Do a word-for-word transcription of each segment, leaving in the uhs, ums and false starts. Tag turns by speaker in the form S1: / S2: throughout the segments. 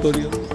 S1: ਹੋ ਰਹੀ ਹੈ।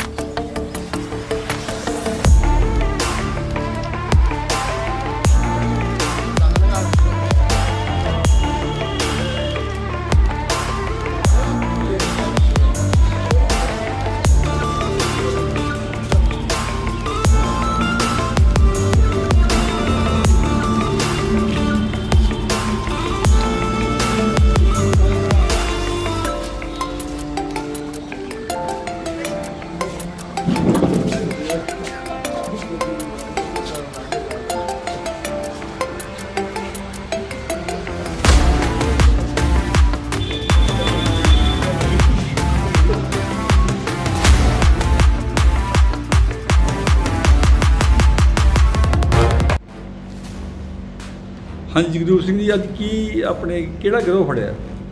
S1: ਹਾਂਜੀ ਜਗਰੂਪ ਸਿੰਘ ਜੀ, ਅੱਜ ਕੀ ਆਪਣੇ ਕਿਹੜਾ ਗਿਰੋਹ ਫੜਿਆ?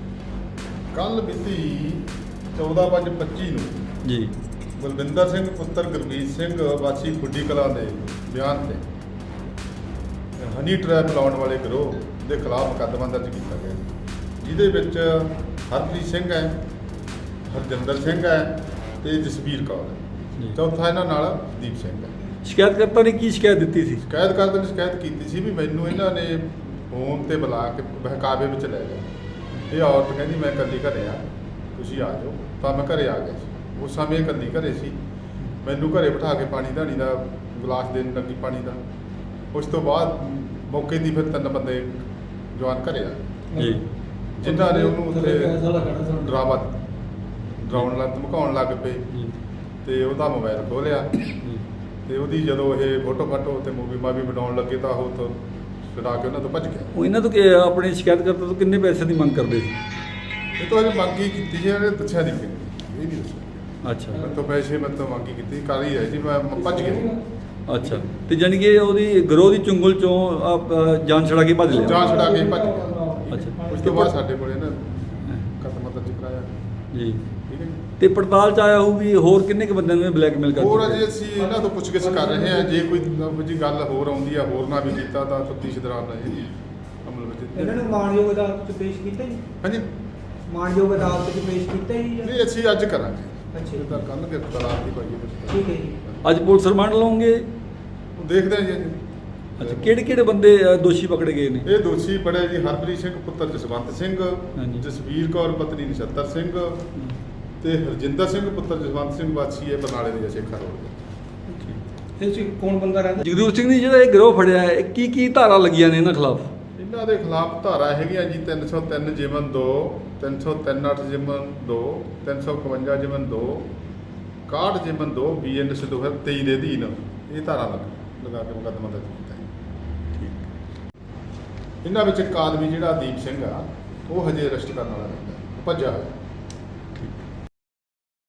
S2: ਕੱਲ ਮਿਤੀ ਚੌਦਾਂ ਪੰਜ ਪੱਚੀ ਨੂੰ
S1: ਜੀ
S2: ਬਲਵਿੰਦਰ ਸਿੰਘ ਪੁੱਤਰ ਗੁਰਮੀਤ ਸਿੰਘ ਵਾਸੀ ਖੁੱਡੀ ਕਲਾਂ ਦੇ ਬਿਆਨ ਤੇ ਹਨੀ ਟਰੈਪ ਲਾਉਣ ਵਾਲੇ ਗਿਰੋਹ ਦੇ ਖਿਲਾਫ ਮੁਕੱਦਮਾ ਦਰਜ ਕੀਤਾ ਗਿਆ, ਜਿਹਦੇ ਵਿੱਚ ਹਰਪ੍ਰੀਤ ਸਿੰਘ ਹੈ, ਹਰਜਿੰਦਰ ਸਿੰਘ ਹੈ ਤੇ ਜਸਵੀਰ ਕੌਰ ਹੈ। ਚੌਥਾ ਇਹਨਾਂ ਨਾਲ ਦੀਪ ਸਿੰਘ ਹੈ।
S1: ਸ਼ਿਕਾਇਤਕਰਤਾ ਨੇ ਕੀ ਸ਼ਿਕਾਇਤ ਦਿੱਤੀ ਸੀ?
S2: ਸ਼ਿਕਾਇਤਕਰਤਾ ਨੇ ਸ਼ਿਕਾਇਤ ਕੀਤੀ ਸੀ ਵੀ ਮੈਨੂੰ ਇਹਨਾਂ ਨੇ ਫੋਨ ਤੇ ਬੁਲਾ ਕੇ ਬਹਿਕਾਵੇ ਵਿੱਚ ਲੈ ਗਏ। ਇਹ ਔਰਤ ਕਹਿੰਦੀ ਮੈਂ ਇਕੱਲੀ ਘਰੇ ਆ, ਤੁਸੀਂ ਆ ਜਾਓ। ਤਾਂ ਮੈਂ ਘਰੇ ਆ ਗਿਆ ਸੀ। ਉਸ ਸਮੇਂ ਇਕੱਲੀ ਘਰੇ ਸੀ। ਮੈਨੂੰ ਘਰੇ ਬਿਠਾ ਕੇ ਪਾਣੀ ਧਾਣੀ ਦਾ ਗਲਾਸ ਦੇਣ ਲੱਗੀ ਪਾਣੀ ਦਾ। ਉਸ ਤੋਂ ਬਾਅਦ ਮੌਕੇ ਦੀ ਫਿਰ ਤਿੰਨ ਬੰਦੇ ਜਵਾਨ ਘਰੇ ਆ
S1: ਜੀ,
S2: ਜਿਨ੍ਹਾਂ ਨੇ ਉਹਨੂੰ ਉੱਥੇ ਡਰਾਵਾ ਡਰਾਉਣ ਲੱਗ ਧਮਕਾਉਣ ਲੱਗ ਪਏ ਤੇ ਉਹਦਾ ਮੋਬਾਈਲ ਖੋਲਿਆ ਤੇ ਉਹਦੀ ਜਦੋਂ ਇਹ ਫੋਟੋ ਫਾਟੋ ਤੇ ਮੂਵੀ ਮਾਵੀ ਬਣਾਉਣ ਲੱਗੇ ਤਾਂ ਉਹ ਤੋਂ ਛੁਡਾ ਕੇ ਉਹਨਾਂ ਤੋਂ ਭੱਜ ਗਿਆ।
S1: ਉਹ ਇਹਨਾਂ ਤੋਂ ਕਿ ਆਪਣੇ ਸ਼ਿਕਾਇਤਕਰਤਾ ਤੋਂ ਕਿੰਨੇ ਪੈਸੇ ਦੀ ਮੰਗ ਕਰਦੇ ਸੀ?
S2: ਇਹ ਤੋਂ ਅਜੇ ਮੰਗੀ ਕੀਤੀ ਸੀ, ਇਹਨੇ ਦੱਸਿਆ ਨਹੀਂ ਕਿ ਇਹ ਨਹੀਂ ਦੱਸਿਆ।
S1: ਅੱਛਾ
S2: ਮੇਰੇ ਤੋਂ ਪੈਸੇ ਮੈਂ ਤੋਂ ਮੰਗੀ ਕੀਤੀ, ਕਰ ਹੀ ਰਹੀ ਸੀ, ਮੈਂ ਭੱਜ ਗਿਆ।
S1: ਅੱਛਾ, ਤੇ ਜਾਣੀ ਕਿ ਉਹਦੀ ਗਿਰੋਹ ਦੀ ਚੁੰਗਲ ਚੋਂ ਆਪ ਜਾਨ ਛੜਾ ਕੇ ਭੱਜ ਲਿਆ?
S2: ਜਾਨ ਛੁਡਾ ਕੇ ਭੱਜ ਗਿਆ।
S1: ਅੱਛਾ,
S2: ਉਸ ਤੋਂ ਬਾਅਦ ਸਾਡੇ ਕੋਲ ਇਹਨਾਂ ਕਦਮ ਦਰਜ ਕਰਾਇਆ
S1: ਜੀ।
S2: ਠੀਕ ਹੈ ਜੀ।
S1: ਤੇ ਪੜਤਾਲ ਚ ਆਇਆ ਹੋਊ ਵੀ ਹੋਰ ਕਿੰਨੇ ਕੁ ਬੰਦਿਆਂ ਨੂੰ ਬਲੈਕਮੇਲ ਕਰਦੇ?
S2: ਹੋਰ ਅਜੇ ਅਸੀਂ ਇਹਨਾਂ ਤੋਂ ਪੁੱਛਗਿੱਛ ਕਰ ਰਹੇ ਹਾਂ। ਜੇ ਕੋਈ ਇਹੋ ਜਿਹੀ ਗੱਲ ਹੋਰ ਆਉਂਦੀ ਆ, ਹੋਰ ਨਾ ਵੀ ਕੀਤਾ ਤਾਂ ਤਫਤੀਸ਼ ਦੌਰਾਨ ਰਹੇ ਅਮਲ ਵਿੱਚ।
S3: ਇਹਨਾਂ ਨੂੰ ਮਾਣਯੋਗ ਅਦਾਲਤ 'ਚ ਪੇਸ਼ ਕੀਤਾ ਜੀ?
S2: ਹਾਂਜੀ,
S3: ਮਾਣਯੋਗ ਅਦਾਲਤ 'ਚ ਪੇਸ਼ ਕੀਤਾ ਜੀ?
S2: ਨਹੀਂ ਅਸੀਂ ਅੱਜ ਕਰਾਂਗੇ।
S3: ਅੱਛਾ
S2: ਇਹ ਤਾਂ ਕੱਲ੍ਹ ਕੇ ਤਲਾਕ ਦੀ ਪਾਈਏ।
S3: ਠੀਕ ਹੈ ਜੀ।
S1: ਅੱਜ ਪੁਲਿਸ ਰਿਮਾਂਡ ਲਓਗੇ?
S2: ਦੇਖਦੇ ਹਾਂ ਜੀ ਅੱਜ।
S1: ਅੱਛਾ, ਕਿਹੜੇ ਕਿਹੜੇ ਬੰਦੇ ਅ, ਦੋਸ਼ੀ ਪਕੜੇ ਗਏ ਨੇ?
S2: ਇਹ ਦੋਸ਼ੀ ਬੜੇ ਜੀ ਹਰਪ੍ਰੀਤ ਸਿੰਘ ਪੁੱਤਰ ਜਸਵੰਤ ਸਿੰਘ,
S1: ਹਾਂਜੀ।
S2: ਜਸਵੀਰ ਕੌਰ ਪਤਨੀ ਨਛੱਤਰ ਸਿੰਘ ਤੇ ਹਰਜਿੰਦਰ ਸਿੰਘ ਪੁੱਤਰ ਜਸਵੰਤ ਸਿੰਘ ਵਾਸੀ ਹੈ ਬਰਨਾਲੇ ਦੇ ਸ਼ੇਖਾ ਰੋਡ।
S3: ਇਹ 'ਚ ਕੌਣ ਬੰਦਾ ਰਹਿੰਦਾ?
S1: ਜਗਰੂਪ ਸਿੰਘ ਜੀ, ਜਿਹੜਾ ਇਹ ਗਿਰੋਹ ਫੜਿਆ ਹੈ, ਇਹ ਕੀ ਕੀ ਧਾਰਾ ਲੱਗੀਆਂ ਨੇ ਇਹਨਾਂ ਖਿਲਾਫ?
S2: ਇਹਨਾਂ ਦੇ ਖਿਲਾਫ ਧਾਰਾ ਹੈਗੀਆਂ ਜੀ ਤਿੰਨ ਸੌ ਤਿੰਨ ਜਿਮਨ ਦੋ, ਤਿੰਨ ਸੌ ਤਿੰਨ ਅੱਠ ਜਿਮਨ ਦੋ, ਤਿੰਨ ਸੌ ਇਕਵੰਜਾ ਜਿਮਨ ਦੋ, ਇਕਾਹਠ ਜਿਮਨ ਦੋ, ਬੀ ਐਨ ਐਸ ਦੋ ਹਜ਼ਾਰ ਤੇਈ ਦੇ ਅਧੀਨ ਇਹ ਧਾਰਾ ਲੱਗ ਲਗਾ ਕੇ ਮੁਕੱਦਮਾ ਦਰਜ ਕੀਤਾ ਹੈ। ਇਹਨਾਂ ਵਿੱਚ ਇੱਕ ਆਦਮੀ ਜਿਹੜਾ ਦੀਪ ਸਿੰਘ ਆ, ਉਹ ਹਜੇ ਅਰੈਸਟ ਕਰਨ ਵਾਲਾ ਰਹਿੰਦਾ, ਭੱਜਾ ਹੋਇਆ।